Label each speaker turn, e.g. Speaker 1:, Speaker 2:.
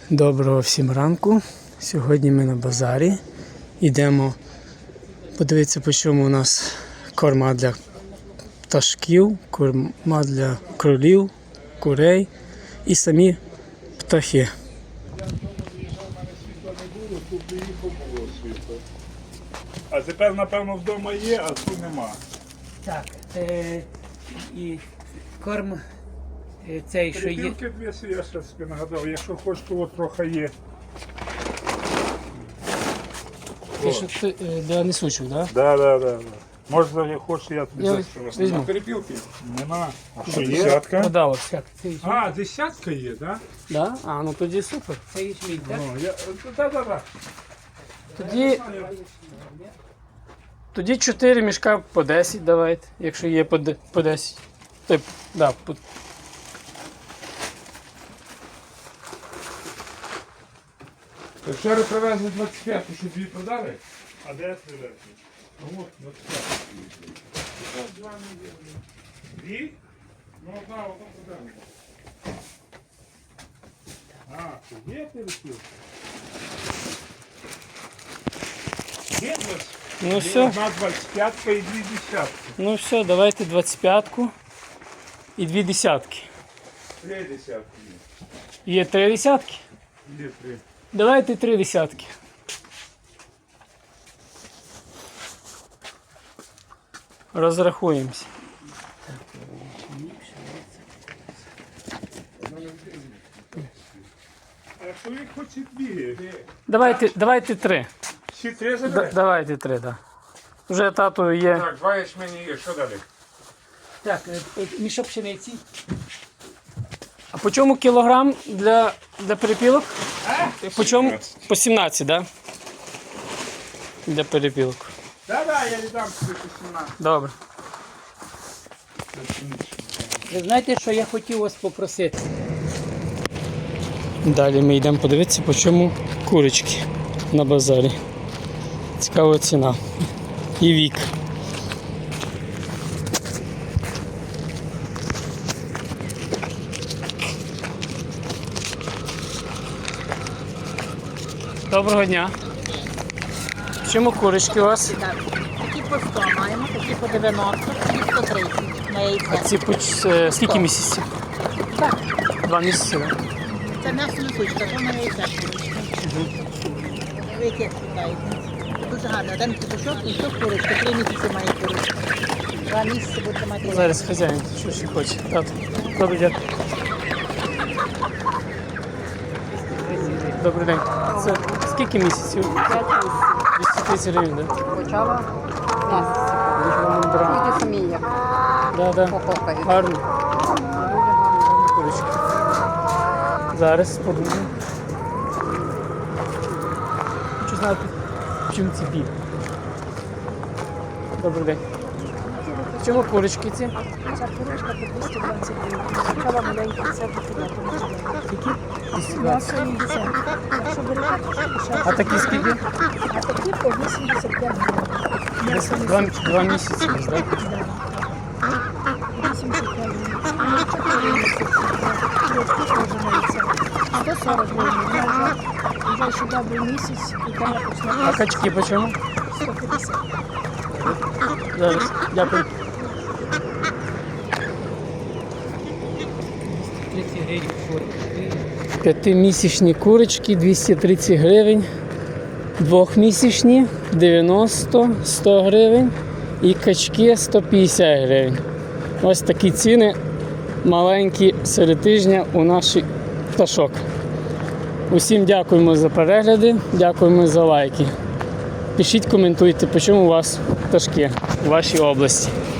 Speaker 1: Доброго всім ранку. Сьогодні ми на базарі. Йдемо подивитися, по чому у нас корма для пташків, корма для кролів, курей і самі птахи.
Speaker 2: А тепер, напевно, вдома є, а тут нема.
Speaker 3: Так, і корм цей, що є.
Speaker 2: Перепілки дві, я ще собі нагадав, якщо хочеш, то от трохи є.
Speaker 1: Для несучих, так?
Speaker 2: Да. Може, як хочеш, я тобі
Speaker 1: Я
Speaker 2: зашу.
Speaker 1: візьму.
Speaker 2: Перепілки? Нема. А що є?
Speaker 1: Десятка? Подала.
Speaker 2: А, десятка є, так?
Speaker 1: Да? А, ну тоді супер.
Speaker 3: Це ячмінь, так?
Speaker 2: Да.
Speaker 1: Тоді 4 мішка по 10 давайте, якщо є по 10. Да,
Speaker 2: Вчора привезли 25, що дві продали? А де привезли? Ну от, 25. Дві? Ну одна продали. А, це є перепілки? Є 20?
Speaker 1: ну все.
Speaker 2: Одна 25 і дві десятки.
Speaker 1: Ну все, давайте 25-ку і 2 десятки.
Speaker 2: Три десятки є.
Speaker 1: Є 3 десятки?
Speaker 2: Є три.
Speaker 1: Давайте 3 десятки. Розрахуємося.
Speaker 2: А чоловік хоче дві.
Speaker 1: Давайте 3.
Speaker 2: Всі три забереш?
Speaker 1: Давайте 3, да. Вже тату є.
Speaker 2: Так, два ячмені є, що далі?
Speaker 3: Так, мішок пшениці.
Speaker 1: А по чому кілограм для перепілок? По чому?
Speaker 2: 17.
Speaker 1: По 17, так? Да? Для перепілок.
Speaker 2: Да, я віддам тобі по 17.
Speaker 1: Добре.
Speaker 3: Ви знаєте, що я хотів вас попросити?
Speaker 1: Далі ми йдемо подивитися, по чому курочки на базарі. Цікава ціна. І вік. Доброго дня. В чому курочки у вас?
Speaker 4: Так, такі по 100 маємо, такі по 90, такі 130 на
Speaker 1: А
Speaker 4: яйця.
Speaker 1: ці скільки місяців?
Speaker 4: Так,
Speaker 1: 2 місяці, так?
Speaker 4: це м'ясо несучка, то на яйця. Ви яке питаєте? Дуже гарно. Один петушок і що курочка, 3 місяці має курочка. 2 місяці буде мати.
Speaker 1: Зараз хазяїн, що ще хоче. Тато. Добрий день. Добрий день. Це скільки місяців? 230 гривень, так?
Speaker 5: Почала нас. Тільки самі як
Speaker 1: Да.
Speaker 5: покопають.
Speaker 1: Гарно. Курочки. Зараз подумаю. Хочу знати, в чому ці біль. Добрий день. В чому курочки ці?
Speaker 6: Ця курочка по 220 гривень. Почала маленька, це по 50.
Speaker 1: Скільки? 220.
Speaker 6: М'ясо 80. Якщо берете, то ще дешевше.
Speaker 1: А такі скільки?
Speaker 6: А такі по 85 гривень. М'ясо не
Speaker 1: 2 місяці, так?
Speaker 6: 85 гривень. Якщо 4 місяці, курочки теж мається. 140 гривень. Вже ще добрий місяць, і там я
Speaker 1: А
Speaker 6: почала
Speaker 1: качки по чому?
Speaker 6: 150.
Speaker 1: Зараз. Дякую.
Speaker 3: 30 гривень.
Speaker 1: 5-місячні курочки 230 гривень, 2-місячні 90-100 гривень і качки 150 гривень. Ось такі ціни маленькі серед тижня у наших пташок. Усім дякуємо за перегляди, дякуємо за лайки. Пишіть, коментуйте, по чому у вас пташки у вашій області.